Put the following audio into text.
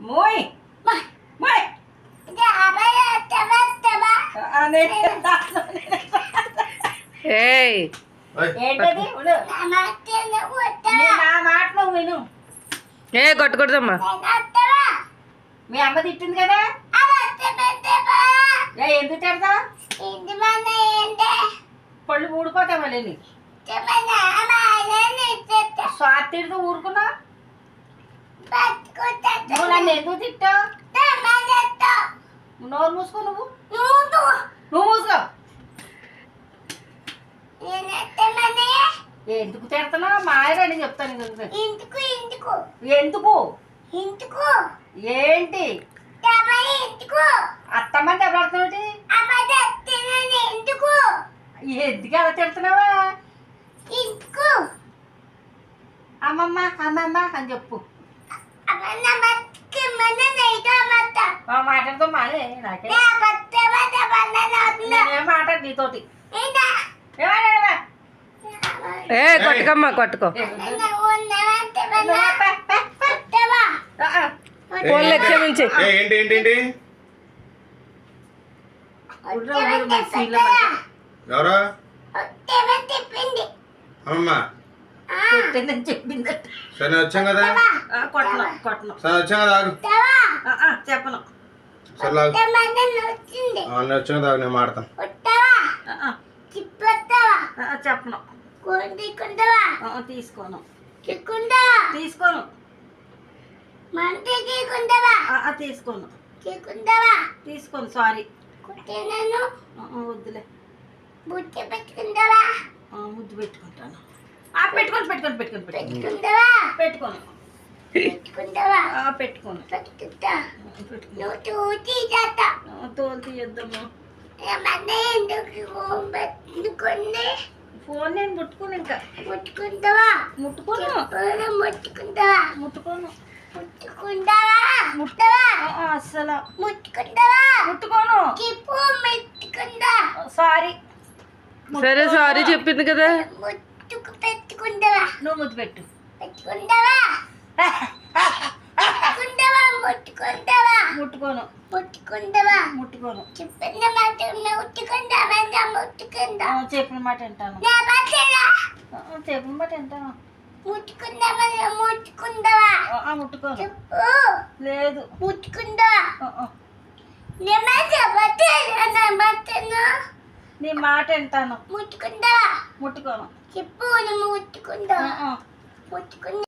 Muy. Muy. ఏయ్ ఏంటది నా మాట నువ్వు విను. ఏ కొట్టకూడదమ్మా. మీ అమ్మ తిట్టింది కదా, ఎందుకు తిడతా? పళ్ళు ఊడిపోతాయి మళ్ళీ నీకు. స్వాతి తిడుతూ ఊరుకున్నా. నువ్వు నన్ను ఎందుకు తిట్టావు? నోరు మూసుకో. నువ్వు మూసుకో. ఎందుకు తిడుతున్నావు? మాయరని చెప్తాను. ఎందుకు ఏంటి అత్తమ్మ దెబ్బడుతున్నావు? ఎందుకు అలా తిడుతున్నావా? అమ్మమ్మ అమ్మమ్మ అని చెప్పు. మాట్లాడుతూ మానే నాకే నేనేం మాట్లాడు నీతోటి. ఏ కొట్టుకమ్మా కొట్టుకో. ఫోన్లో క్షమించి. ఏంటి ఏంటి ఏంటి ఎవరు అమ్మమ్మ చెప్పింది. సరే వచ్చాం కదా, సరే వచ్చాం కదా, ఆగు. చెప్పను. సరే ఆగు. నేను వచ్చాం కదా, నేను మాడతాను. చెప్పను. తీసుకోను. తీసుకోను. తీసుకోను. సారీ. వద్దులే. ముద్దు పెట్టుకుంటాను. పెట్టుకోను. తోలు తీయొద్దమ్మా. ఫోన్ నేను ముట్టుకోను. ఇంకా ముట్టుకోను. అస్సలు ముట్టుకోను. సారీ. సరే సారీ చెప్పింది కదా. నువ్వు ముద్దు పెట్టు. ముట్టుకోను. చెప్పిన మాట వింటాను. ముట్టుకోను. లేదు. నీ మాట వింటాను. ముట్టుకోను. చెప్పు.